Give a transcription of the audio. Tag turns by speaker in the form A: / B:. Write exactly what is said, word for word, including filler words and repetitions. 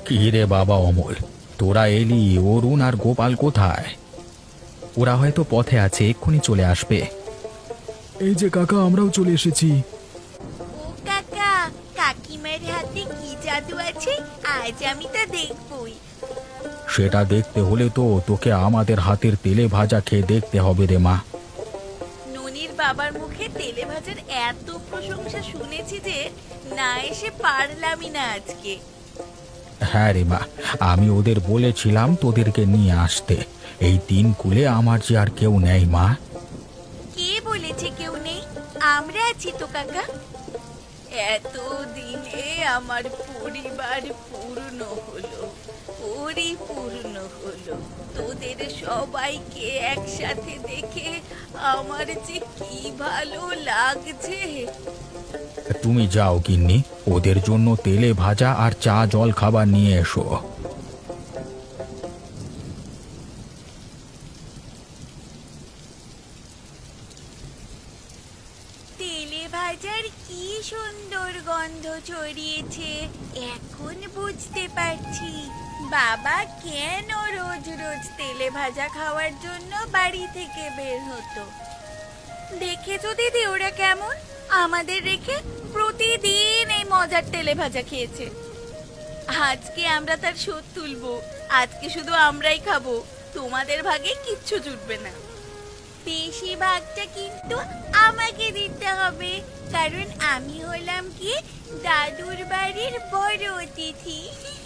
A: কি রে বাবা অমল, তোরা এলি, অরুণ আর গোপাল কোথায়? ওরা হয়তো পথে আছে, এক্ষুনি চলে আসবে। এই যে কাকা, আমরাও চলে এসেছি।
B: ও কাকা, কাকিমার হাতে কি জাদু আছে আজ আমি তা দেখবই।
A: সেটা দেখতে হলে তো তোকে আমাদের হাতের তেলে ভাজা খেয়ে দেখতে হবে রে মা।
B: ননির বাবার মুখে তেলে ভাজার এত প্রশংসা শুনেছি যে না এসে পারলামই না আজকে।
A: হ্যাঁ রে মা, আমি ওদের বলেছিলাম তোদেরকে নিয়ে আসতে। এই তিন কুলে আমার যে আর কেউ নেই মা।
B: কে বলেছে কেউ নেই? আমরা আছি তো কাকা। এত দিনে আমার পরিবার পূর্ণ হলো, পরিপূর্ণ হলো। তোদের সবাইকে একসাথে দেখে আমার যে কি ভালো লাগছে।
A: তুমি যাও গিন্নি, ওদের জন্য তেলে ভাজা আর চা জল খাবার নিয়ে এসো।
B: তেলে ভাজার কি সুন্দর গন্ধ ছড়িয়েছে, এখন বুঝতে পারছি বাবা কেন রোজ রোজ তেলে ভাজা খাওয়ার জন্য বাড়ি থেকে বের হতো। দেখেছো দিদি ওরা কেমন আমাদের রেখে প্রতিদিন এই মজার তেলে ভাজা খেয়েছে। আজকে আমরা তার শোধ তুলবো। আজকে শুধু আমরাই খাবো, তোমাদের ভাগে কিচ্ছু জুটবে না। বেশিরভাগটা কিন্তু আমাকে দিতে হবে, কারণ আমি হলাম কি দাদুর বাড়ির বড় অতিথি।